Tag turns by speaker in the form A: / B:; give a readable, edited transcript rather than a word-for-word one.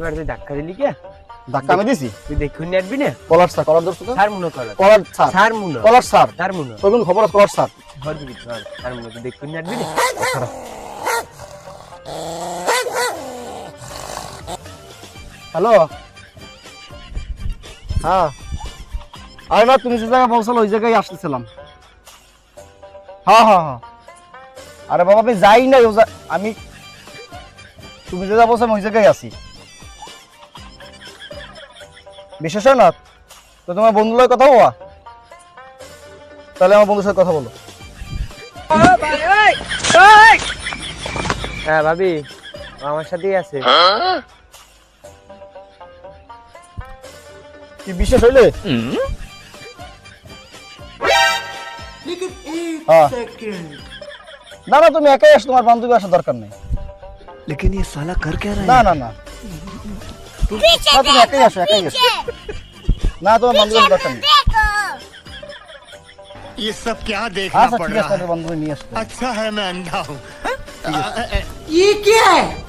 A: এবার তুই ধাক্কা দিলি কে?
B: ধাক্কা আমি দিছি?
A: তুই দেখুন নাটবি না?
B: কলার স্যার, কলার ধরছো তো?
A: স্যার মনে কর।
B: কলার স্যার,
A: স্যার মনে।
B: কলার স্যার,
A: স্যার মনে।
B: তোর কোন খবর আছে কলার স্যার?
A: ঘর দিবি স্যার। স্যার মনে তুই দেখুন নাটবি না?
B: হ্যালো, হ্যাঁ, আরে না তুমি যে জায়গায় বলছিল ওই জায়গায় আসতেছিলাম। হ্যাঁ হ্যাঁ হ্যাঁ, আরে বাবা আমি যাই নাই, আমি তুমি যে যা বলছো আমি ওই জায়গায় আছি। বিশেষ না তো তোমার বন্ধুর লগে কথা বলা, তাহলে আমার বন্ধুর সাথে কথা বলো।
A: হ্যাঁ ভাবি, ও আমার সাথেই আছে।
B: কি বিশেষ হইলে? হ্যাঁ। না না তুমি একাই আসো, তোমার বান্ধবী আসার দরকার নেই।
C: लेकिन ये साला कर क्या रहा है?
B: না না না তুমি একাই আসো, একাই আসো। না তোমার বান্ধবী আসার দরকার নেই।
C: ये सब क्या देखना
B: আচ্ছা
C: पड़
B: ঠিক
C: रहा
B: আছে,
C: है?
B: বান্ধবী নিয়ে আসো।
C: अच्छा है मैं अंधा हूँ।
D: ये क्या है?